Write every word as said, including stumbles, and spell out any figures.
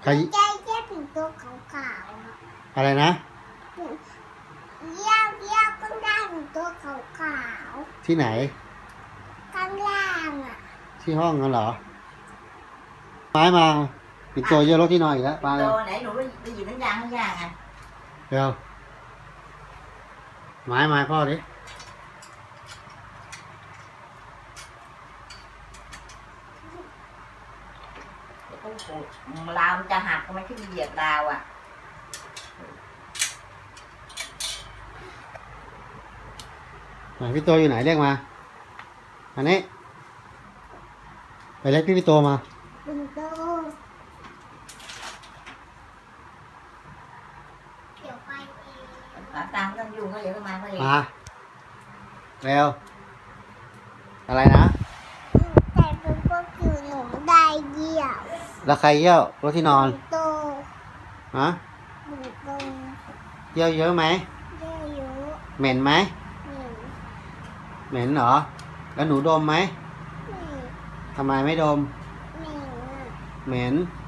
รใจแค่ถึงตัวขาวๆอะอะไรนะเยี่ยวเยี่ยวข้างล่างถึงตัวขาวที่ไหนๆข้างล่างอ่ะที่ห้องกันเหรอไม้มาปิดตัวเยอะรถที่นอนอีกแล้วไปโตเร็วไหนหนูไปไปหยิบน้ำยางข้างย่างอ่ะเร็วไม้มาพ่อดิเดี๋ยวโอ้โหราวมันจะหักทำไมขึ้นเหยียบราวอ่ะไหนพี่ตัวอยู่ไหนเรียกมาอันนี้ไปเรียกพี่พี่ตัวมาถึงตัวเดี๋ยวไปเองตามตามไม่ต้องยุ่งเขาเดี๋ยวก็มาเขาเองมาเร็วอะไรนะแต่เป็นพวกอยู่หนูได้เยี่ยวแล้วใครเยี่ยวรถที่นอนโตฮะถึงตัวเยี่ยวเยอะไหมเยี่ยวเยอะเหม็นไหมหนึ่งเหม็นเหรอแล้วหนูดมไหมหนึ่งทำไมไม่ดมหนึ่งอ่ะเหม็น